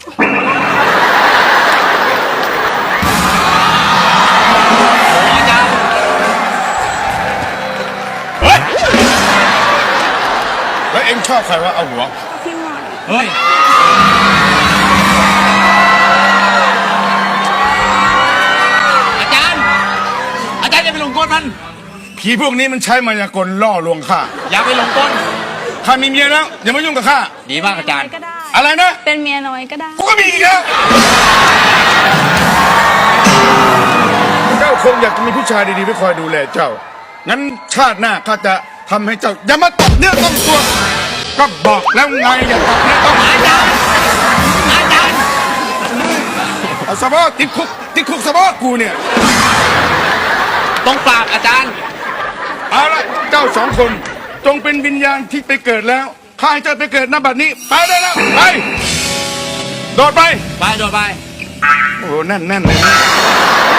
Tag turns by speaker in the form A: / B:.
A: อาจารย์
B: แล้วเอ็งชอบใครวะเอาหัว
C: พี่หมอน
A: เฮ้ยอาจารย์อย่าไปหลงกลมัน
B: ผีพวกนี้มันใช้มายากลล่อลวงข้า
A: อย่าไปหลงกล
B: ข้ามีเมียแล้วอย่ามายุ่งกับข้า
A: ดีมากอาจารย์
C: ก็ได้
B: อะไรนะ
C: เป็นเมียน้อยก็ได้
B: กูก็มีอีกแล้วเจ้าคงอยากจะมีผู้ชายดีๆไว้คอยดูแลเจ้างั้นชาติหน้าข้าจะทำให้เจ้าอย่ามาตบเนื้อต้องตัวก็บอกแล้วไงอย่าตบเนื้อต้อง
A: อาจารย์
B: เอาสะบอติดคุกสะบอกูเนี่ย
A: ต้องปราบอาจารย์
B: เอาละเจ้าสองคนจงเป็นวิญญาณที่ไปเกิดแล้วข้าให้เจ้าไปเกิดณบัดนี้ไปได้แล้วไปโดดไป
A: ไปโดดไป
B: โอ้โหแน่นเลย